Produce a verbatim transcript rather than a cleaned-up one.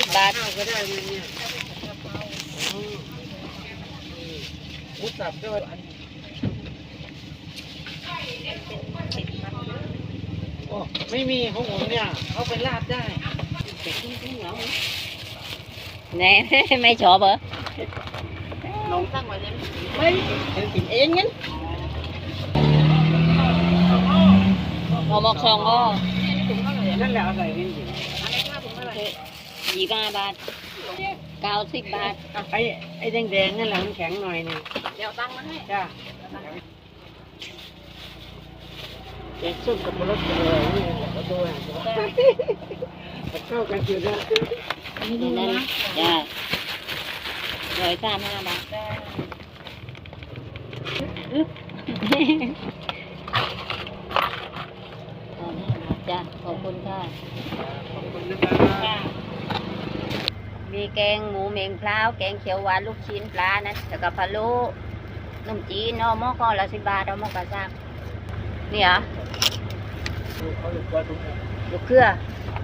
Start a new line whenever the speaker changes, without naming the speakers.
บาท
ข้าวก็ได้เลยเนี่ยหมูสับก็โอ้ไม่มีของผมเนี่ยเขาไปลาดได้เป็ดทิ้งๆเหรอ
แน่ไม่ชอบเหรอ
น้องตั้งไว้เลยไม่เดี๋ยวกินเองงั้น
หอมอกซองก็
นั่นแหละอะไรนี่สิอันนี้ค่าถุงเท่าไหร่
ยี่สิบห้าบาทเก้าสิบบาท
ไอ้ไอ้แดงๆนั่นแหละมันแข็งหน่อยนี่เดี๋ยวตั้งมาให้จ้าแกงส้มกับมะระกอนี่แหละก็ด้วยเข้ากันอยู่นะ
นี่นั่นจ้าร้อยสามห้าบาทจ้าขอบคุณค่ะ
ขอบคุณนะครับ
มีแกงหมูเมงพร้าวแกงเขียวหวานลูกชิ้นปลานะแล้วก็พะโล้นมจีนเนาะหม้อก็ละสิบบาทเอาหม้อกระซักนี่เหรอลูกเครือ